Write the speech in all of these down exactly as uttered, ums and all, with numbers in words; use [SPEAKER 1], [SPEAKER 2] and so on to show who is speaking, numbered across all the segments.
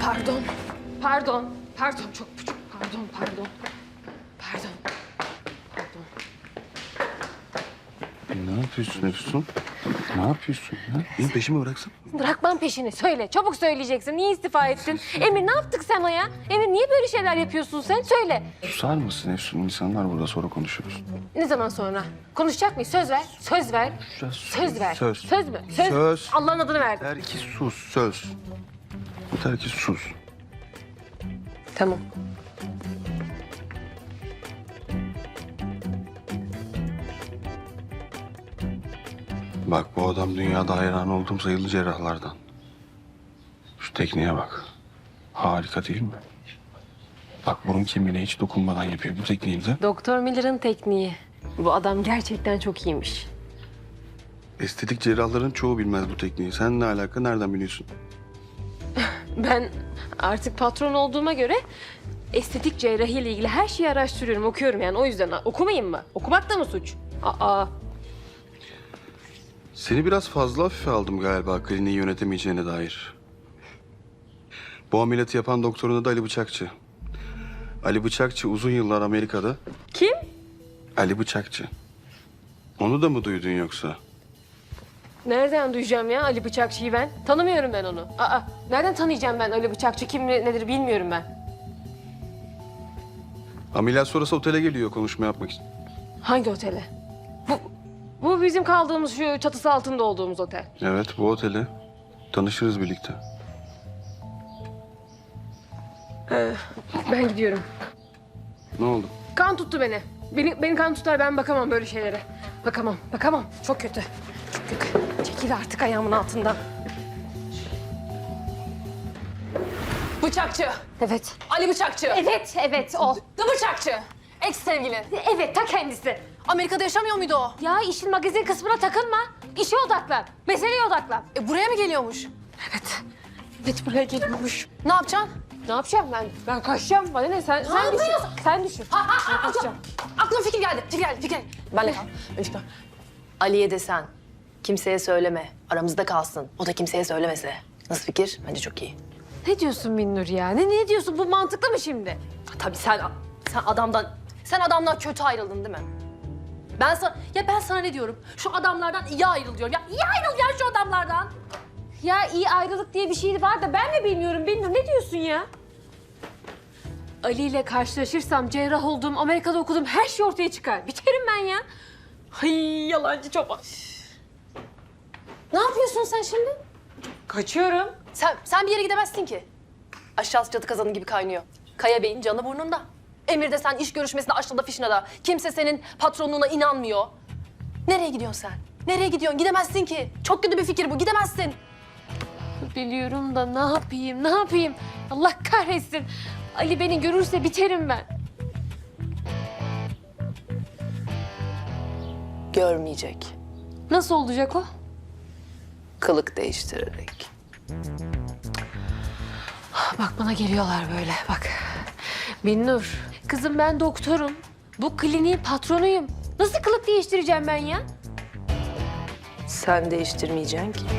[SPEAKER 1] Pardon. Pardon. Pardon. Çok çok pardon. Pardon. Pardon. Pardon.
[SPEAKER 2] Ne yapıyorsun Efsun? Ne yapıyorsun ya? Benim peşimi bıraksana.
[SPEAKER 1] Bırakmam peşini. Söyle. Çabuk söyleyeceksin. Niye istifa ettin? Emir ne yaptık sana ya? Emir niye böyle şeyler yapıyorsun sen? Söyle.
[SPEAKER 2] Susar mısın Efsun? İnsanlar burada, sonra konuşuruz.
[SPEAKER 1] Ne zaman sonra? Konuşacak mıyız? Söz ver. Söz ver.
[SPEAKER 2] Söz.
[SPEAKER 1] Söz ver.
[SPEAKER 2] Söz.
[SPEAKER 1] Söz mü? Söz.
[SPEAKER 2] Söz.
[SPEAKER 1] Allah'ın adını verdim.
[SPEAKER 2] Yeter ki sus, söz. Yeter ki sus.
[SPEAKER 1] Tamam.
[SPEAKER 2] Bak bu adam dünyada hayran olduğum sayılı cerrahlardan. Şu tekniğe bak. Harika değil mi? Bak burun kemiğine hiç dokunmadan yapıyor bu tekniği de.
[SPEAKER 1] Doktor Miller'ın tekniği. Bu adam gerçekten çok iyiymiş.
[SPEAKER 2] Estetik cerrahların çoğu bilmez bu tekniği. Sen ne alaka, nereden biliyorsun?
[SPEAKER 1] Ben artık patron olduğuma göre estetik cerrahi ile ilgili her şeyi araştırıyorum, okuyorum yani. O yüzden okumayayım mı? Okumak da mı suç? Aa.
[SPEAKER 2] Seni biraz fazla hafife aldım galiba kliniği yönetemeyeceğine dair. Bu ameliyatı yapan doktorun adı Ali Bıçakçı. Ali Bıçakçı uzun yıllar Amerika'da.
[SPEAKER 1] Kim?
[SPEAKER 2] Ali Bıçakçı. Onu da mı duydun yoksa?
[SPEAKER 1] Nereden duyacağım ya Ali Bıçakçı'yı ben? Tanımıyorum ben onu. Aa, nereden tanıyacağım ben Ali Bıçakçı kim nedir bilmiyorum ben.
[SPEAKER 2] Ameliyat sonrası otele geliyor konuşma yapmak için.
[SPEAKER 1] Hangi otele? Bu, bu bizim kaldığımız şu çatısı altında olduğumuz otel.
[SPEAKER 2] Evet bu otele. Tanışırız birlikte.
[SPEAKER 1] Ee, ben gidiyorum.
[SPEAKER 2] Ne oldu?
[SPEAKER 1] Kan tuttu beni. Beni, beni kan tutar, ben bakamam böyle şeylere. Bakamam, bakamam. Çok kötü. Çok kötü. Çekil artık ayağımın altından.
[SPEAKER 3] Bıçakçı.
[SPEAKER 1] Evet.
[SPEAKER 3] Ali Bıçakçı.
[SPEAKER 1] Evet, evet o.
[SPEAKER 3] The Bıçakçı. Ex sevgilin.
[SPEAKER 1] Evet, ta kendisi.
[SPEAKER 3] Amerika'da yaşamıyor muydu o?
[SPEAKER 1] Ya işin magazin kısmına takılma. İşe odaklan. Meseleye odaklan.
[SPEAKER 3] E buraya mı geliyormuş?
[SPEAKER 1] Evet. Evet, buraya geliyormuş.
[SPEAKER 3] Ne yapacaksın?
[SPEAKER 1] Ne yapacağım ben? Ben kaçacağım. Bana ne? Sen, sen düşün.
[SPEAKER 3] yapıyorsun?
[SPEAKER 1] Sen düşün.
[SPEAKER 3] Ha ha
[SPEAKER 1] Ben
[SPEAKER 3] ha.
[SPEAKER 1] kaçacağım.
[SPEAKER 3] Aklıma, aklıma fikir geldi. Fikir geldi. Fikir geldi. Benle kal. Ben fikir. Ali'ye desen. Kimseye söyleme. Aramızda kalsın. O da kimseye söylemese. Nasıl fikir? Bence çok iyi.
[SPEAKER 1] Ne diyorsun Binnur ya? Ne, ne diyorsun? Bu mantıklı mı şimdi?
[SPEAKER 3] Ha, tabii sen sen adamdan sen adamdan kötü ayrıldın değil mi? Ben sana ya ben sana ne diyorum? Şu adamlardan iyi ayrıl diyorum. Ya iyi ayrıl ya şu adamlardan.
[SPEAKER 1] Ya iyi ayrılık diye bir şey var da ben mi bilmiyorum Binnur? Ne diyorsun ya? Ali ile karşılaşırsam cerrah olduğum, Amerika'da okuduğum her şey ortaya çıkar. Biterim ben ya.
[SPEAKER 3] Ay yalancı çoban. Ne yapıyorsun sen şimdi?
[SPEAKER 1] Kaçıyorum.
[SPEAKER 3] Sen sen bir yere gidemezsin ki. Aşağısı çatı kazanı gibi kaynıyor. Kaya Bey'in canı burnunda. Emir de sen iş görüşmesinde aşağıda fişine da. Kimse senin patronluğuna inanmıyor. Nereye gidiyorsun sen? Nereye gidiyorsun? Gidemezsin ki. Çok kötü bir fikir bu. Gidemezsin.
[SPEAKER 1] Biliyorum da ne yapayım, ne yapayım? Allah kahretsin. Ali beni görürse biterim ben.
[SPEAKER 3] Görmeyecek.
[SPEAKER 1] Nasıl olacak o?
[SPEAKER 3] Kılık değiştirerek.
[SPEAKER 1] Bak bana geliyorlar böyle bak. Binnur, kızım ben doktorum. Bu kliniğin patronuyum. Nasıl kılık değiştireceğim ben ya?
[SPEAKER 3] Sen değiştirmeyeceksin ki.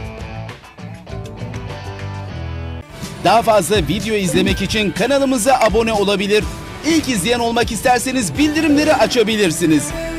[SPEAKER 4] Daha fazla video izlemek için kanalımıza abone olabilir. İlk izleyen olmak isterseniz bildirimleri açabilirsiniz.